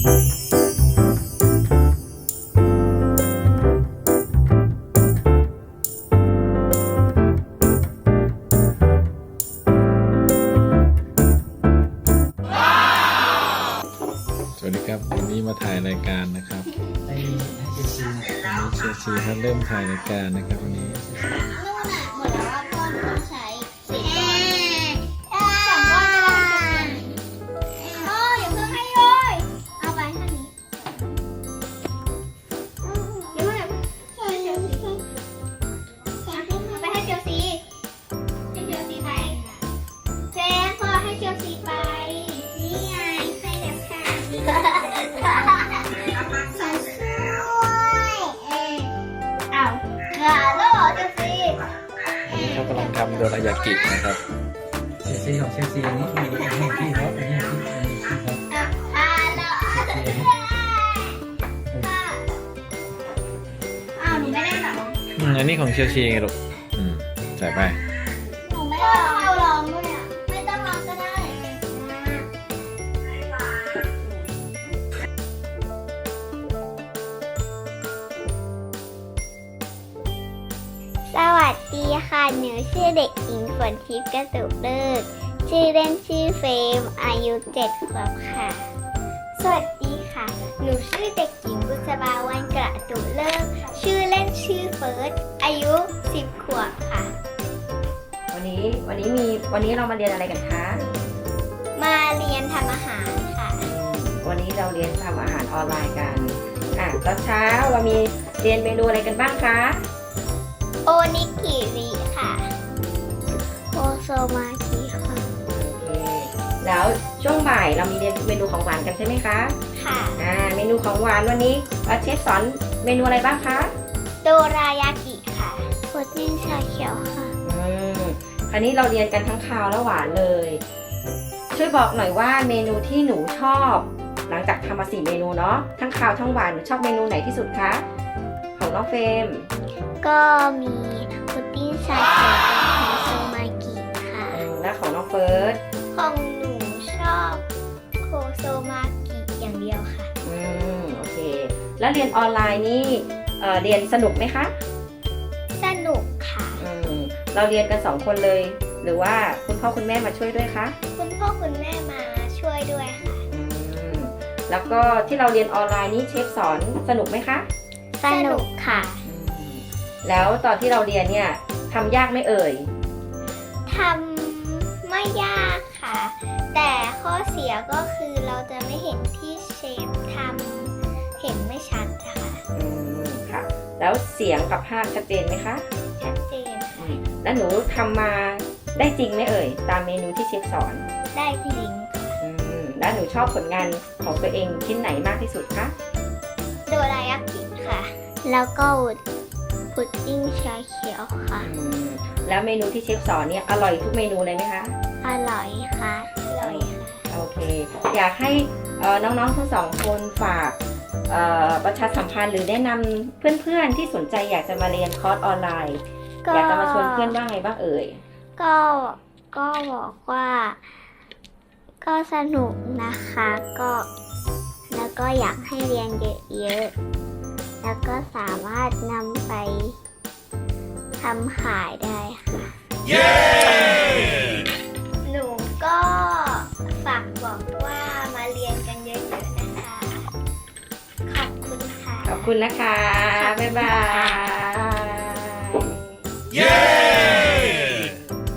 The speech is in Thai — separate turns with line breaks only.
สวัสดีครับวันนี้มาถ่ายรายการนะครับวันนี้เชลซีเขาเริ่มถ่ายรายการนะครับวันนี้
นู่นน่ะหมดแล้วว่าก้อนต้องใช้4 ก้อน2 ก้อนก็ได้โอ้ยอย่าเพิ่งให้เลยเอาไปเท่านี้เดี๋ยวให้เชลซีเอาไปให้เชลซีให้เชลซีไปเจนพอให้เชลซีไปนี่ไงให้แล้วค่ะใส่ด้วยเอาอย่าโลดเชลซี
เขากำลังทำโดรายากินะครับ
เชลซีของเชลซีนี่มีอันนี้ที่เขาอันนี้ที่เขา
หนูไม่ได้หรอ
อันนี้ของเชลซีไงลูกใส่ไป
หนูไม่ได้เอาลองด้วยอ่ะไม่ต้องลองก็ได้สวัสดีค่ะหนูชื่อเด็กหญิงฝนทิพย์กระตุกเลิกชื่อเล่นชื่อเฟรมอายุ7 ขวบค่ะสวัสดีค่ะหนูชื่อเด็กหญิงบุษบาวันกระตุกเลิกชื่อเล่นชื่อเฟิร์สอายุ10 ขวบค่ะ
วันนี้เรามาเรียนอะไรกันคะ
มาเรียนทำอาหารค่ะ
วันนี้เราเรียนทำอาหารออนไลน์กันตอนเช้าเรามีเรียนเมนูอะไรกันบ้างคะ
โอนิกิริค่ะโอโซมากิค่ะ
แล้วช่วงบ่ายเรามีเรียนเมนูของหวานกันใช่ไหมคะ
ค่ะ
เมนูของหวานวันนี้เชฟสอนเมนูอะไรบ้างคะ
โดรายากิค่ะพุดดิ้งชาเขียวค่ะ
คราวนี้เราเรียนกันทั้งคาวและหวานเลยช่วยบอกหน่อยว่าเมนูที่หนูชอบหลังจากทำมา4 เมนูเนาะทั้งคาวทั้งหวานหนูชอบเมนูไหนที่สุดคะของน้องเฟรม
ก็มีพุดดิ้งชาเขียวกับโอโซมากิค่ะ
และของน้องเฟิร์ส
ของหนูชอบโคโซมากิอย่างเดียวค่ะ
โอเคแล้วเรียนออนไลน์นี่เรียนสนุกไหมคะ
สนุกค่ะ
เราเรียนกัน2 คนเลยหรือว่าคุณพ่อคุณแม่มาช่วยด้วยคะ
คุณพ่อคุณแม่มาช่วยด้วยค่ะ
แล้วก็ที่เราเรียนออนไลน์นี่เชฟสอนสนุกไหมคะ
สนุกค่ะ
แล้วตอนที่เราเรียนเนี่ยทำยากไหมเอ่ย
ทำไม่ยากค่ะแต่ข้อเสียก็คือเราจะไม่เห็นที่เชฟทำเห็นไม่ชัดค่ะ
ค่ะแล้วเสียงกับภาพชัดเจนไหมคะ
ชัดเจน
แล้วหนูทำมาได้จริงไหมเอ่ยตามเมนูที่เชฟสอน
ได้จริง
แล้วหนูชอบผลงานของตัวเองชิ้นไหนมากที่สุดคะ
โดรายากิค่ะแล้วก็พุดดิ้งชาเขียวค่ะ
แล้วเมนูที่เชฟสอนเนี่ยอร่อยทุกเมนูเลยไหมคะ
อร่อยค่ะอร่อยค่ะ
โอเคอยากให้น้องๆทั้ง2 คนฝากประชาสัมพันธ์หรือแนะนำเพื่อนๆที่สนใจอยากจะมาเรียนคอร์สออนไลน์อยากจะมาชวนเพื่อนว่าไงบ้างเอ่ย
ก็บอกว่าก็สนุกนะคะแล้วก็อยากให้เรียนเยอะๆแล้วก็สามารถนำไปทำขายได้ค่ะเย้หนูก็ฝากบอกว่ามาเรียนกันเยอะๆนะคะขอบคุณค่ะ
ขอบคุณนะคะบ๊ายบาย